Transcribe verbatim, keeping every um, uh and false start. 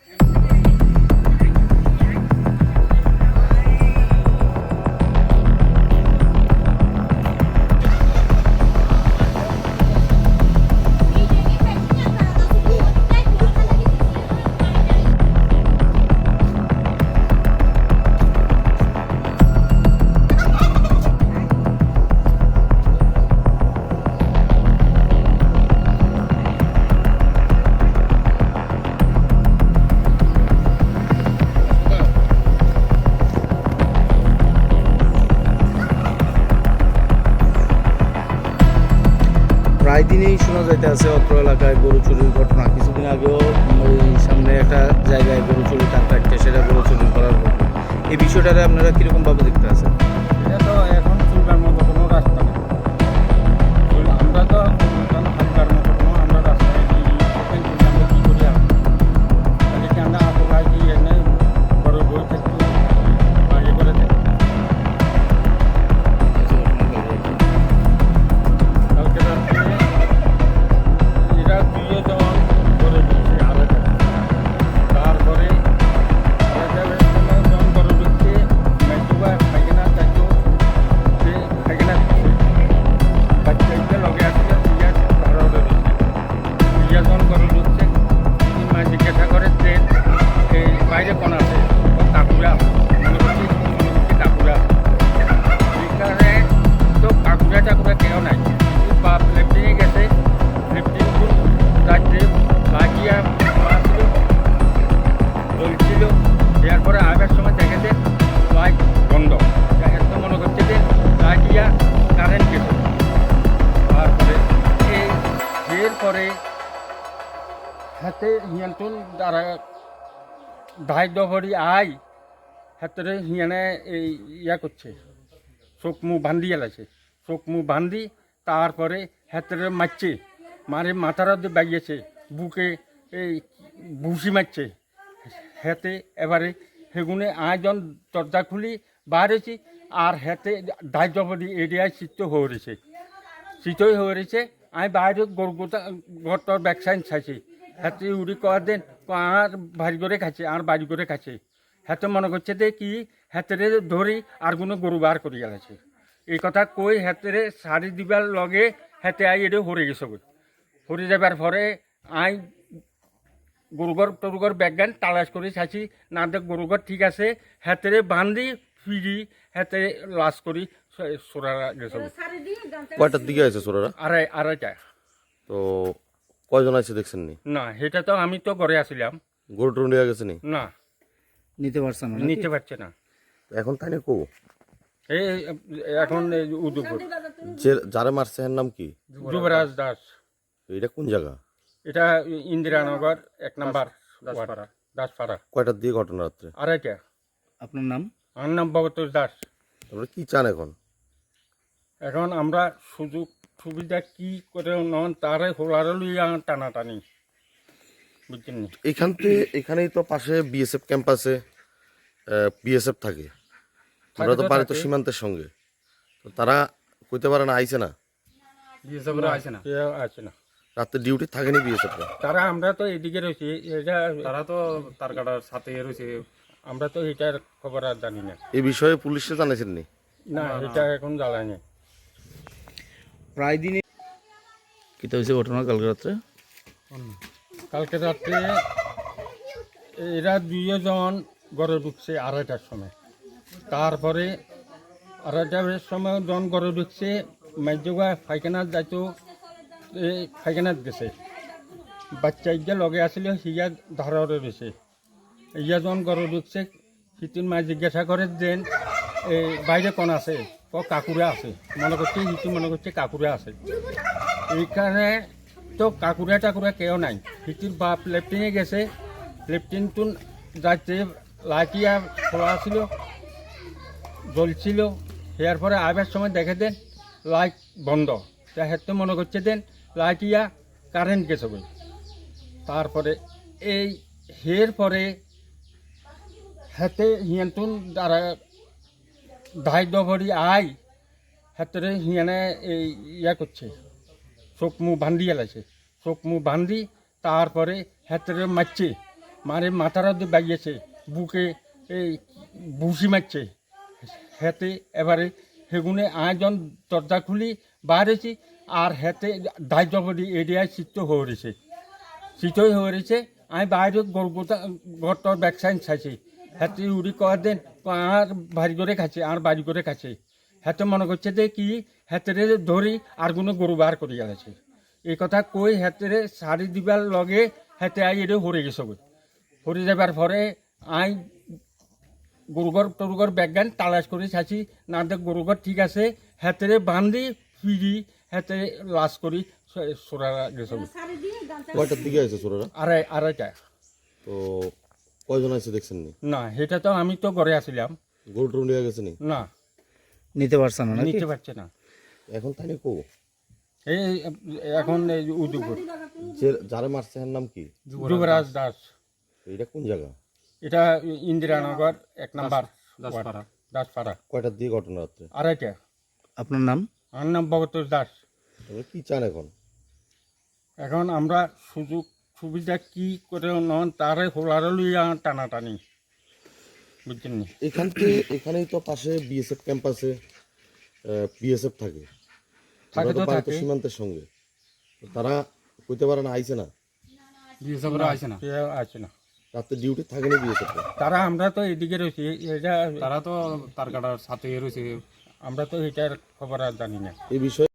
প্রায় দিনেই শোনা যাইতে আছে অত্র এলাকায় গরু চুরির ঘটনা। কিছুদিন আগেও ওই সামনে একটা জায়গায় গরু চুরি টাকা সেটা গরু চুরি করার ঘটনা। এই বিষয়টারে আপনারা কীরকমভাবে দেখতে আছেন? এটা তো এখন চুলকার মতো কোনো রাস্তা নেই। আমরা তো হালকার মতো কোনো আমরা রাস্তায় আমরা কী করি তাহলে কি আমরা আতঙ্কায় কি এনে বড় বই থাকতে বাইরে করে থাকি। কালকে রাত্রে এরা দুইয়ে জন করে দিচ্ছে আলাদা। তারপরে জন করে দিচ্ছে মেজুবা পায়খানা চাইতো সে পায়খানা দিচ্ছে বাচ্চাইতে লগে আসছে দুইয়া ধারা উঠে দিচ্ছে দুইয়া জন করে দিচ্ছে। তিনি মা জিজ্ঞাসা করে যে এই বাইরে কোন আছে ও কাকুরা মনে করছি মনে করছি কাকুরা এখানে তো কাকুরা টাকুরা কেউ নাই। বাপ লেফটিনে গেছে লেফটিন রাত্রে লাগিয়া মারছিল জ্বলছিল। এরপরে আবার সময় দেখেছে লাইট বন্ধ। এত মনে করছে যে লাগিয়া কারেন্ট গেছে। তারপরে এই এরপরে হাতে হিয়ান্তন দ্বারা ধাই দভরি আই হাতে হিয়ানে এই ইয়া করছে চোখ মুখ বান্ধি এলাছে চোখ মুখ বান্ধি তারপরে হাতে মারছে মারে মাথার দিয়ে বাইয়েছে বুকে এই ভুসি মারছে হাতে। এবারে সেগুনে আয়োজন দরজা খুলি বাড়েছি আর হাতে ধাই দভরি এরিয়ায় চিত্ত হয়ে রয়েছে চিতই হয়ে রয়েছে। আমি বাইরে গরু গোটা ঘরটার ব্যাক সাইড চাইছি হাতে উড়ি কয়া দেন আর ভারী করে খাচ্ছে আর বাড়ি করে খাচ্ছে। হাতে মনে করছে যে কি হাতেরে ধরি আর কোনো গরু বার করি গেছে এই কথা কই হাতেরে শাড়ি দিবার লগে হাতে আই এটা হরে গেছে হরে যাবার পরে আই গরুঘর টরুঘর ব্যাগান তালাশ করে চাইছি না দেখ গরুঘর ঠিক আছে হাতেরে বান্ধি ফিরি হাতে লাশ করি সোরা গেছে। কয়টার দিকে আছে চোরারা? আড়াই আড়াইটা। তো কয়জন আছে দেখছেন নি? না সেটা তো আমি তো ঘরে আসছিলাম। গরু টরু নিয়ে গেছে নি? না নিতে পারছেন না? নিতে পারছে না। এখন তাই না কো এই এখন এই উদয়পুর যে যারে মারছে এর নাম কি? যুবরাজ দাস। এটা কোন জায়গা? এটা ইন্দিরানগর এক নাম্বার দাসপাড়া দাসপাড়া। কয়টার দিকে ঘটনা রাত্রে? আড়াইটা। আপনার নাম? আমার নাম ভগতোষ দাস। তোমরা কি চান এখন? এখন আমরা সুযোগ সুবিধা কি করে নন তারে হোলারে লইয়া টানাটানি বুঝছেন নি। এখান থেকে এখানেই তো পাশে বিএসএফ ক্যাম্প আছে, বিএসএফ থাকে। আমরা তো পারি তো সীমান্তের সঙ্গে, তো তারা কইতে পারে না আইছে না? বিএসএফরা আসে না কেউ আসে না। রাত্রে ডিউটি থাকেনি বিএসএফরা? তারা আমরা তো এদিকে রয়েছি এটা তারা তো তার কাটার সাথে রয়েছে। আমরা তো এটার খবর আর জানি না। এই বিষয়ে পুলিশে জানাইছেন নি? না এটা এখন জ্বালানি। প্রায় দিনে কীটা হয়েছে ঘটনা কালকে রাত্রে? কালকে রাত্রে এরা দুইজন ঘরে ঢুকছে আড়াইটার সময়। তারপরে আড়াইটার সময় জন ঘরে ঢুকছে মাইজোগা পায়খানা যাইতো এই পায়খানাত গেছে বাচ্চা ইয়া লগে আসলে সিয়া ধারা রয়েছে। ইয়া জন ঘরে ঢুকছে সিটির মা জিজ্ঞাসা করে যে এই বাইরে কোন আছে ও কাকুরা আছে মনে করছে সিটি মনে করছে কাকুরা আছে। এইখানে তো কাকুরা টাকুরা কেউ নাই। সিটির বাপ লেফটিনে গেছে লেফটিনটো যাইতে লাইটিয়া খোলা ছিল জ্বলছিল। এর পরে আবার সময় দেখে দেন লাইট বন্ধ। তা হেতে মনে করছে দেন লাইটিয়া কারেন্ট গেছে বলে। তারপরে এই হের পরে হাতে হিয়ান্তন দ্বারা ধাই দভরি আই হাতে হিয়ানে এই ইয়া করছে চোখ মুখ বান্ধি এলাছে চোখ মুখ বান্ধি তারপরে হাতে মারছে মারে মাথার মধ্যে বাগিয়েছে, বুকে এই ভুসি মারছে হেতে। এবারে সেগুনে আয়োজন দরজা খুলি বাহারেছি, আর হেতে দায়িত্ব করি এরিয়ায় চিত্ত হয়ে রয়েছে, চিতই হয়ে রয়েছে। আমি বাইরে গরু ঘরটার ব্যাকসাইন চাইছি, হাতে উড়ি কয়া দেন আর বাড়ি করে খাচ্ছে, আর বাড়ি করে খাচ্ছে। হাতে মনে করছে যে কি হাতে ধরি আর কোনো গরু বার করি গেছে। এই কথা কই হাতে শাড়ি দিবার লগে হাতে আই এটা হরে গেছে, হরে যাবার পরে আই গরুঘর টরুঘর ব্যাগান তালাশ করে চাইছি, না দেখ গরুঘর ঠিক আছে। হাতে বান্ধি ফিরি হাতে লাশ করি সোরা গেছে। কয়টার দিকে আছে চোরেরা? আড়াই আড়াইটা। তো কয়জন আছে দেখছেন নি? না সেটা তো আমি তো ঘরে আসছিলাম, গরু টরু নিয়ে গেছে নি? না নিতে পারছে না নাকি? নিতে পারছে না। এখন তাই কো এই এখন এই উদুপুর যে যারা মারছে এর নাম কি? যুবরাজ দাস। এটা কোন জায়গা? এটা ইন্দিরানগর এক নাম্বার দাসপাড়া। দাসপাড়া। কয়টার দিকে ঘটনা রাত্রে? আড়াইটা। আপনার নাম? আমার নাম ভগতোষ দাস। তবে কি চান এখন? এখন আমরা সুযোগ সুবিধা কি করে নন তারে হোলারে লইয়া টানাটানি, বুঝছেন নি? এখান থেকে এখানেই তো পাশে বিএসএফ ক্যাম্প আছে, বিএসএফ থাকে। থাকে তো ওরা বাড়ি তো থাকে। সীমান্তের সঙ্গে। তো তারা কইতে পারে না আইছে না? বিএসএফরা আইছে না, কেউ আছে না, রাতে ডিউটি থাকেনি বিএসএফ? তারা আমরা তো এদিকে রয়েছি, এটা তারা তো তার কাটার সাথে রয়েছে। আমরা তো এটার খবর আর জানি না। এই বিষয়ে